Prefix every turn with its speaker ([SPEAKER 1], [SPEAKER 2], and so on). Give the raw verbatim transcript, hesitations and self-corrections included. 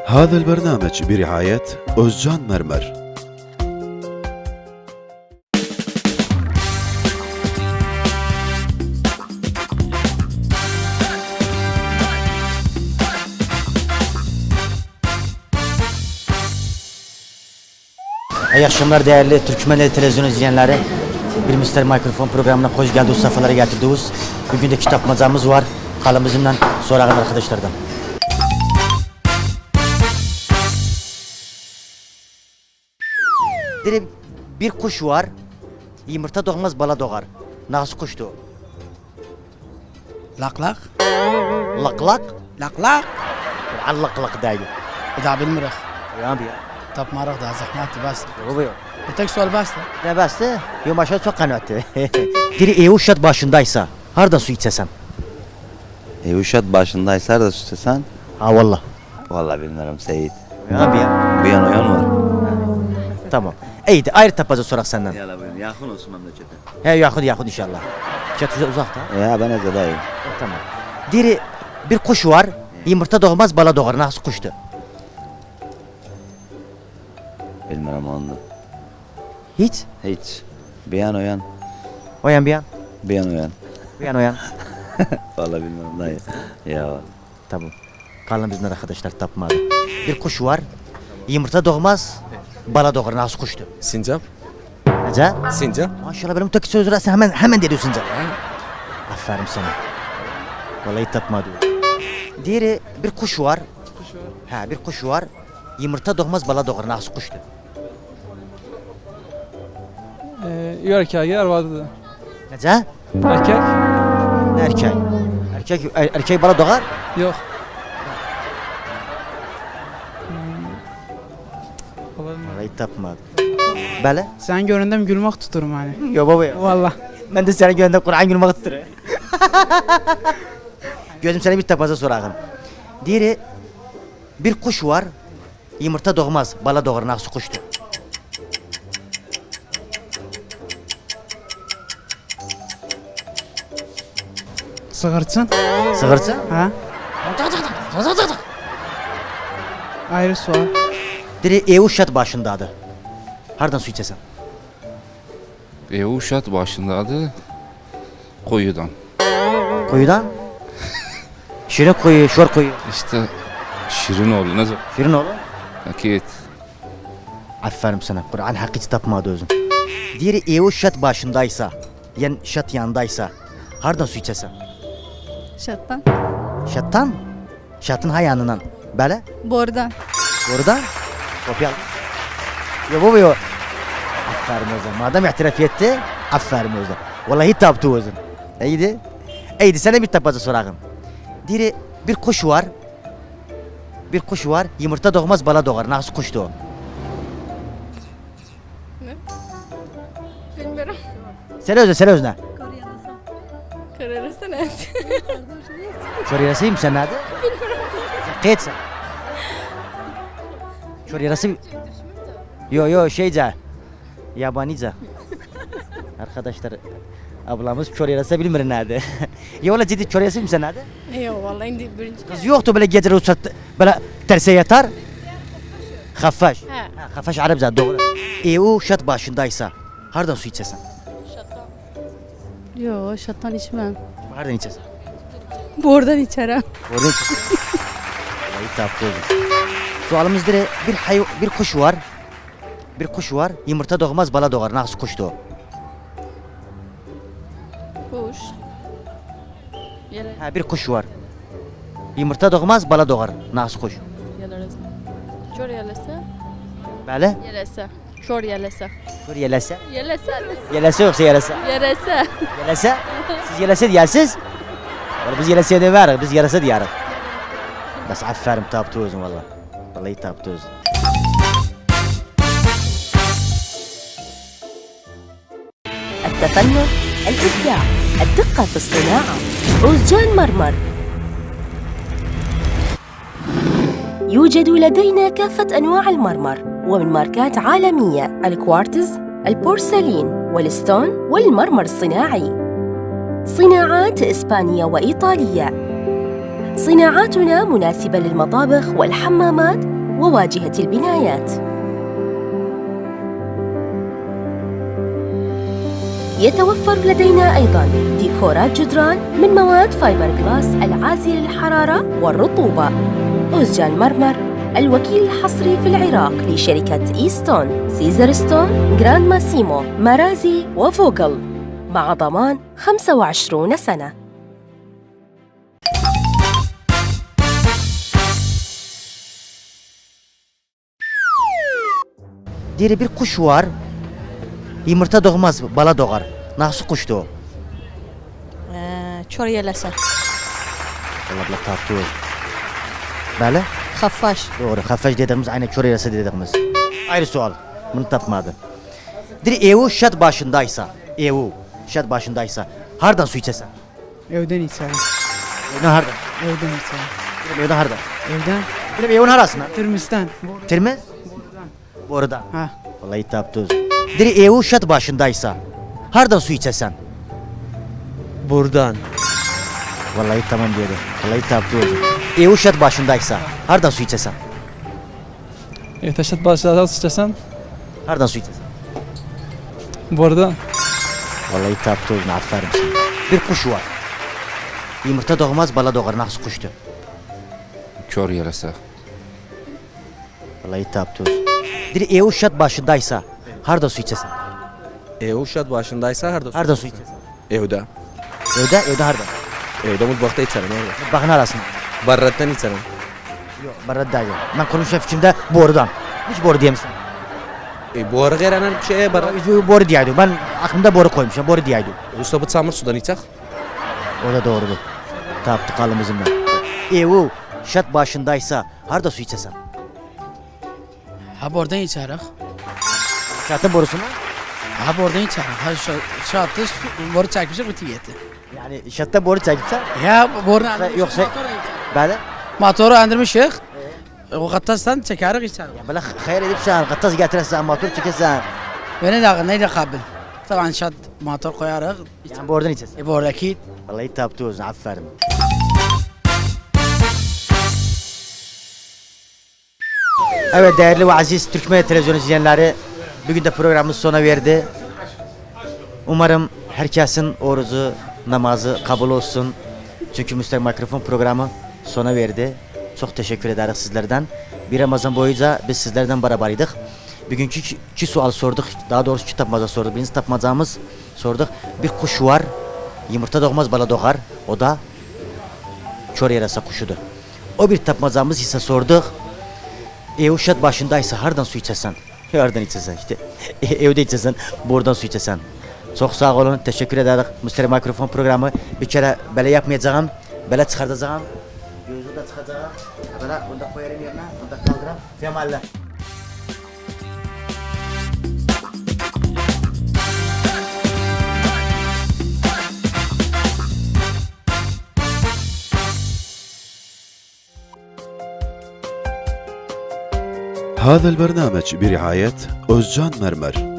[SPEAKER 1] هذا البرنامج برعاية أوزجان مرمر.
[SPEAKER 2] İyi akşamlar değerli Türkmenli televizyon izleyenleri. Bir Mister Mikrofon programına hoş geldiniz, safhalara getirdiniz. Bugün de kitapmacamız var. Kalın bizimle sorağın arkadaşlardan. Dire bir kuş var. Yumurta doğmaz bala doğar. Nasıl kuştu?
[SPEAKER 3] Lak lak.
[SPEAKER 2] Lak lak.
[SPEAKER 3] Lak lak.
[SPEAKER 2] Allak lak değil.
[SPEAKER 3] İda bilmirik.
[SPEAKER 2] Ya abi ya.
[SPEAKER 3] Tapmarak da zahmeti bas.
[SPEAKER 2] Yok yok.
[SPEAKER 3] Bir tek sual bastı.
[SPEAKER 2] Ne bastı? Yok aşağı çok kanattı. Dire ev uşat başındaysa hardan su içesem?
[SPEAKER 4] E uşat başındaysa da süslesen.
[SPEAKER 2] Ha valla.
[SPEAKER 4] Vallahi bilmiyorum Seyit.
[SPEAKER 2] Ya abi ya.
[SPEAKER 4] Bir yan o yan var.
[SPEAKER 2] Tamam. İyiydi ayrı tapacı sorak senden.
[SPEAKER 4] Yala buyurun yakın olsun memlekete.
[SPEAKER 2] He yakın yakın inşallah. Çat uzakta.
[SPEAKER 4] Ya ben Eze dayı.
[SPEAKER 2] Tamam. Diri bir kuş var. Yumurta doğmaz bala doğar. Nasıl kuştu?
[SPEAKER 4] Bilmiyorum onu.
[SPEAKER 2] Hiç.
[SPEAKER 4] Hiç. Bir yan o yan.
[SPEAKER 2] O yan bir yan.
[SPEAKER 4] Bir yan o yan.
[SPEAKER 2] Bir yan o yan.
[SPEAKER 4] Vallahi bilmiyorum dayı. Ya.
[SPEAKER 2] Tamam. Kalın bizden arkadaşlar tapmadı. Bir kuş var. Yumurta doğmaz. Bala doğar. Nasıl kuştu?
[SPEAKER 5] Sincap.
[SPEAKER 2] Nece?
[SPEAKER 5] Sincap.
[SPEAKER 2] Maşallah benim tek sözü sen hemen hemen dediyorsun canım. Aferin sana. Vallahi tapmadı. Diri bir kuş var.
[SPEAKER 5] Kuş var.
[SPEAKER 2] Ha bir kuş var. Yumurta doğmaz bala doğar. Nasıl kuştu?
[SPEAKER 5] Ee, erkeği yer vardı.
[SPEAKER 2] Nece?
[SPEAKER 5] Erkek?
[SPEAKER 2] Erkek. Erkek er, erkek bala doğar.
[SPEAKER 5] Yok. Hmm. Olabilir.
[SPEAKER 2] Vallahi tapmadı. Bale?
[SPEAKER 3] Sen göründüm gülmek tuturum hani.
[SPEAKER 2] Yo baba ya.
[SPEAKER 3] Valla.
[SPEAKER 2] Ben de seni gönderdim Kur'an gülmek tutuyor. Gözüm sana bir tapaza sorağım. Diri bir kuş var. Yumurta doğmaz, bala doğar. Nasıl kuştu?
[SPEAKER 3] Sığırçın.
[SPEAKER 2] Sığırça?
[SPEAKER 3] Ha? Ayrı sual.
[SPEAKER 2] Diri ev uşat başındadı. Hardan su içesem?
[SPEAKER 6] E uşat başındadı koyudan.
[SPEAKER 2] Kuyudan? Şirin kuyu, şor kuyu.
[SPEAKER 6] İşte Şirinoğlu ne zaman?
[SPEAKER 2] Şirin oğlu.
[SPEAKER 6] Akit.
[SPEAKER 2] Aferin sana. Kur'an hakkı tapmadı özün. Diri ev uşat başındaysa, yani şat yanındaysa, hardan su içesem?
[SPEAKER 7] Şattan.
[SPEAKER 2] Şattan? Şatın hayanından. Böyle?
[SPEAKER 7] Bordan.
[SPEAKER 2] Oradan? Kopya. Ya baba ya. Aferin özün. Madem itiraf etti, aferin özün. Vallahi taptı özün. İyiydi. İyiydi. Sana bir tapacı sorağım. Diri bir kuş var. Bir kuş var. Yumurta doğmaz bala doğar. Nasıl kuştu o?
[SPEAKER 7] Bilmiyorum.
[SPEAKER 2] Sen özüne, sen özüne.
[SPEAKER 7] Kararırsa ne?
[SPEAKER 2] Çor yarasıyım sen nerede? Kayıt sen. Çor yarası... Yo yo şeyce. Yabanice. Arkadaşlar ablamız çor yarası bilmir nerede. Ya valla ciddi çor yarasıyım sen nerede?
[SPEAKER 7] Yok vallahi indi birinci.
[SPEAKER 2] Kız yoktu böyle geceleri uçak böyle terse yatar. Haffaş.
[SPEAKER 7] He.
[SPEAKER 2] Ha, Haffaş Arapça doğru. E o şat başındaysa hardan su içesen?
[SPEAKER 7] Şattan. Yok şattan içmem.
[SPEAKER 2] Hardan içesen?
[SPEAKER 7] Bordan içerim.
[SPEAKER 2] Oradan içesen. Vallahi taptı oğlum. Sualımız dire bir hay bir kuş var. Bir kuş var. Yumurta doğmaz bala doğar. Nasıl kuştu o?
[SPEAKER 7] Kuş. Yere
[SPEAKER 2] Ha bir kuş var. Yumurta doğmaz bala doğar. Nasıl kuş?
[SPEAKER 7] yalarız. Çor yelese.
[SPEAKER 2] Böyle?
[SPEAKER 7] Yelese. Çor yelese.
[SPEAKER 2] Dur yelese.
[SPEAKER 7] Yelese.
[SPEAKER 2] Yelese yoksa yelese.
[SPEAKER 7] Yelese.
[SPEAKER 2] Yelese? Siz yelese diyersiz. Valla biz yelese de var. Biz yelese diyarız. Bas aferin taptı özün valla. Vallahi taptı özün.
[SPEAKER 8] التفنن، الإبداع، الدقة في الصناعة. أوزجان مرمر. يوجد لدينا كافة أنواع المرمر ومن ماركات عالمية: الكوارتز، البورسلين، والستون، والمرمر الصناعي. صناعات إسبانية وإيطالية. صناعاتنا مناسبة للمطابخ والحمامات وواجهة البنايات. يتوفر لدينا أيضاً ديكورات جدران من مواد فايبر جلاس العازلة للحرارة والرطوبة. أوزجان مرمر، الوكيل الحصري في العراق لشركة إيستون، سيزر ستون، جراند ماسيمو، مارازي وفوغل، مع ضمان خمسة وعشرين سنة.
[SPEAKER 2] Diri bir kuş var. Yumurta doğmaz, bala doğar. Nasıl kuştu o?
[SPEAKER 7] Çor yelese.
[SPEAKER 2] Allah Allah taptı o. Böyle?
[SPEAKER 7] Xaffaş.
[SPEAKER 2] Doğru. Hafaj dediğimiz aynı çor yarası dediğimiz. Ayrı sual. Bunu tapmadı. Diri evu şat başındaysa, evu şat başındaysa, hardan su içesen?
[SPEAKER 3] Evden içerim.
[SPEAKER 2] Evden hardan?
[SPEAKER 3] Evden içerim.
[SPEAKER 2] Benim evden hardan?
[SPEAKER 3] Evden.
[SPEAKER 2] Benim evin harasına.
[SPEAKER 3] Tırmistan.
[SPEAKER 2] Tirmiz? Borudan.
[SPEAKER 3] Ha.
[SPEAKER 2] Vallahi taptı o. Diri evu şat başındaysa, hardan su içesen?
[SPEAKER 9] Buradan.
[SPEAKER 2] Vallahi tamam diyordu. Vallahi taptı o. Evu şat başındaysa, hardan su içesen?
[SPEAKER 5] Ehteşat başlardan sıçrasan
[SPEAKER 2] Hardan su içesen?
[SPEAKER 5] buradan.
[SPEAKER 2] Vallahi taptı o. Aferin sana. Bir kuş var. Yumurta doğmaz, bala doğar. Nasıl kuştu?
[SPEAKER 6] Kör yerese.
[SPEAKER 2] Vallahi taptı o. Diri evu şat başındaysa, hardan su içesen?
[SPEAKER 9] E Uşat başındaysa harda?
[SPEAKER 2] Hardan su içesen?
[SPEAKER 9] Evde.
[SPEAKER 2] Evde, evde hardan.
[SPEAKER 9] Evde mutfakta içerim orada.
[SPEAKER 2] Bakın arasında.
[SPEAKER 9] Barrattan içerim.
[SPEAKER 2] Yok, barada değil. Ben konuşan fikrimde borudan. Hiç boru diyemişsin.
[SPEAKER 9] E bu ara gelen şeye barrat.
[SPEAKER 2] Boru diyeydi. Ben aklımda boru koymuşum. Boru diyeydi.
[SPEAKER 9] Usta bu samır sudan içecek.
[SPEAKER 2] O da doğrudur. Taptı kalımızın ben. Evu şat başındaysa harda su içesen?
[SPEAKER 3] Ha buradan içerim.
[SPEAKER 2] Şatın borusuna?
[SPEAKER 3] Ha buradan içerim. Ha şu şatı boru çekmişim bitiyeti.
[SPEAKER 2] Yani şatta boru çekipsen
[SPEAKER 3] Ya buradan
[SPEAKER 2] yoksa böyle
[SPEAKER 3] motoru andırmışık. O kattastan çekerek içerim.
[SPEAKER 2] ya böyle hayal edip sen kattas getirirsen motor çekersen
[SPEAKER 3] Beni de neyle kabil. Taban şat motor koyarak
[SPEAKER 2] yani borudan içersen.
[SPEAKER 3] e buradaki
[SPEAKER 2] Vallahi taptı o zaman aferin. Evet değerli ve aziz Türkmen televizyon izleyenleri, bugün de programımız sona verdi. Umarım herkesin orucu, namazı kabul olsun. Çünkü Müstek Mikrofon programı sona verdi. Çok teşekkür ederiz sizlerden. Bir Ramazan boyunca biz sizlerden beraberdik. Bugünkü iki, iki sual sorduk. Daha doğrusu iki tapmaca sorduk. Birinci tapmacamız sorduk. Bir kuş var. Yumurta doğmaz, bala doğar. O da çor yarasa kuşudur. O bir tapmacamız ise sorduk. Ev şat başındaysa hardan su içesen? Hardan içesen işte. Evde içesen, buradan su içesen. Çok sağ olun, teşekkür ederiz. Müsterih Mikrofon programı bir kere böyle yapmayacağım, böyle çıkartacağım. Gözü de çıkacağım. Böyle bunu da koyarım yerine, bunu da kaldırırım. Femalle.
[SPEAKER 1] هذا البرنامج برعاية أوزجان مرمر.